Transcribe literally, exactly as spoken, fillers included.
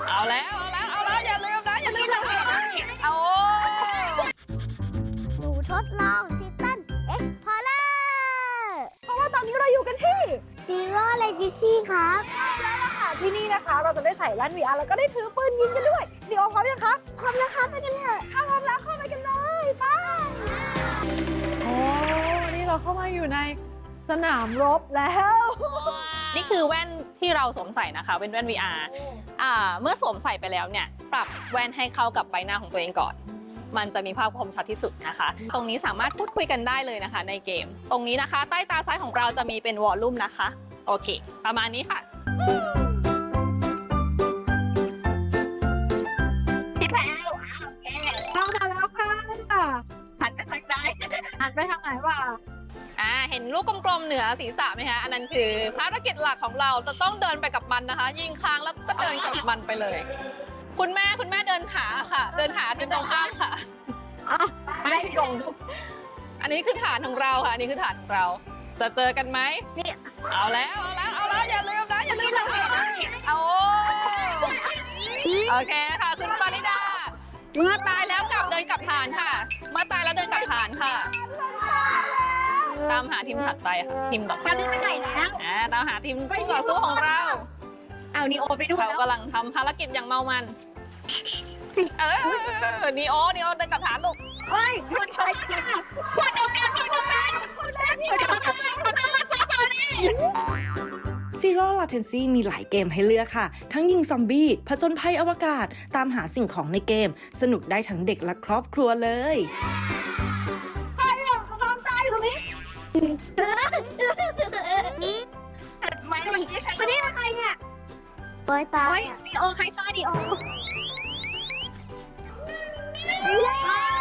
เอาแล้วเอาแล้วเอาแล้วอย่าลืมนะอย่าลืมนะเอาหนูทดลองทิตันเอ็กพอร์เลอร์เพราะว่าตอนนี้เราอยู่กันที่ซีโร่เลจิซี่ครับแล้วล่ะค่ะที่นี่นะคะ เราจะได้ใส่แว่น วี อาร์ แล้วก็ได้ถือปืนยิงกันด้วยเดี๋ยวพร้อมยังคะพร้อมแล้วครับไปกันเถอะถ้าพร้อมแล้วเข้าไปกันเลยไปโอ้นี่เราเข้ามาอยู่ในสนามรบแล้วนี่คือแว่นที่เราสวมใส่นะคะเป็นแว่น วี อาร์ อ่าเมื่อสวมใส่ไปแล้วเนี่ยปรับแว่นให้เข้ากับใบหน้าของตัวเองก่อนมันจะมีภาพคมชัดที่สุดนะคะ ตรงนี้สามารถพูดคุยกันได้เลยนะคะในเกมตรงนี้นะคะใต้ตาซ้ายของเราจะมีเป็นวอลลุ่มนะคะโอเคประมาณนี้ค่ะพี่แพรวเข้ามาแล้วค่ะหันไปทางใดหันไปทางไหนวะอ่าเห็นลูกกลมๆเหนือศีรษะไหมคะอันนั้นคือภารกิจหลักของเราจะต้องเดินไปกับมันนะคะ ยิงค้างแล้วก็เดินกับมันไปเลยคุณแม่คุณแม่เดินหาค่ะเดินหาทีมตรงข้ามค่ะไม่ตรงอันนี้คือฐานของเราค่ะอันนี้คือฐานของเราจะเจอกันไหมนี่เอาแล้วเอาแล้วเอาแล้วอย่าลืมนะอย่าลืมนะเอาโอเคค่ะคุณปาริดาเมื่อตายแล้วกลับเดินกลับฐานค่ะเมื่อตายแล้วเดินกลับฐานค่ะตามหาทีมถัดไปค่ะทีมต่อไปตอนนี้ไปไหนแล้วอ่าตามหาทีมผู้ต่อสู้ของเราเอานีโอไปด้วยเขากำลังทำภารกิจอย่างเมามันเออนีโอนีโอเดินกลับฐานลูกเฮ้ยชนใครกันคนเดียวกันคนเดียวกันคนเดียวกันคนเดียวกันคนเดียวกันชอบนี่ Zero Latency มีหลายเกมให้เลือกค่ะ ทั้งยิงซอมบี้ผจญภัยอวกาศ ตามหาสิ่งของในเกม สนุกได้ทั้งเด็กและครอบครัวเลยใครอ่ะเขาตายอยู่ตรงนี้เกิดไหมเมื่อกี้ใครคนนี้ใครเนี่ยปอยตาโอ้ยดีโอใครฆ่าดีโอ